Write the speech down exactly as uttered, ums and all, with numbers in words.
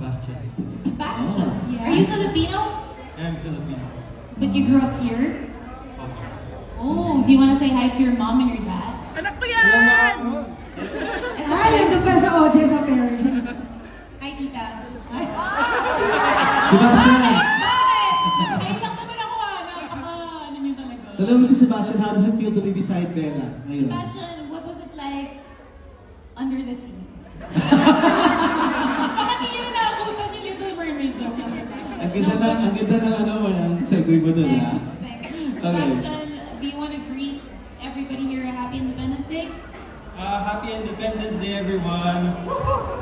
Sebastian. Sebastian. Oh, yes. Are you Filipino? I'm Filipino. But you grew up here? Okay. Oh, do you want to say hi to your mom and your dad? Anak ko yan! Ay, ito pa sa audience sa parents. Hi, tita. Sebastian! Bakit? Ayun lang naman ako ah. Nakaka, ano nyo talaga. Alam mo si Sebastian, how does it feel to be beside Bella ngayon? Sebastian, what was it like under the sea? Bakit hindi na naabutan yung Little Mermaid joke lang, Sebastian? Ang ganda na, ang ganda na ano mo, ang segue mo doon, ha? Thanks, thanks. Sebastian, do you want to greet everybody here a happy Independence Day? Uh, happy Independence Day, everyone.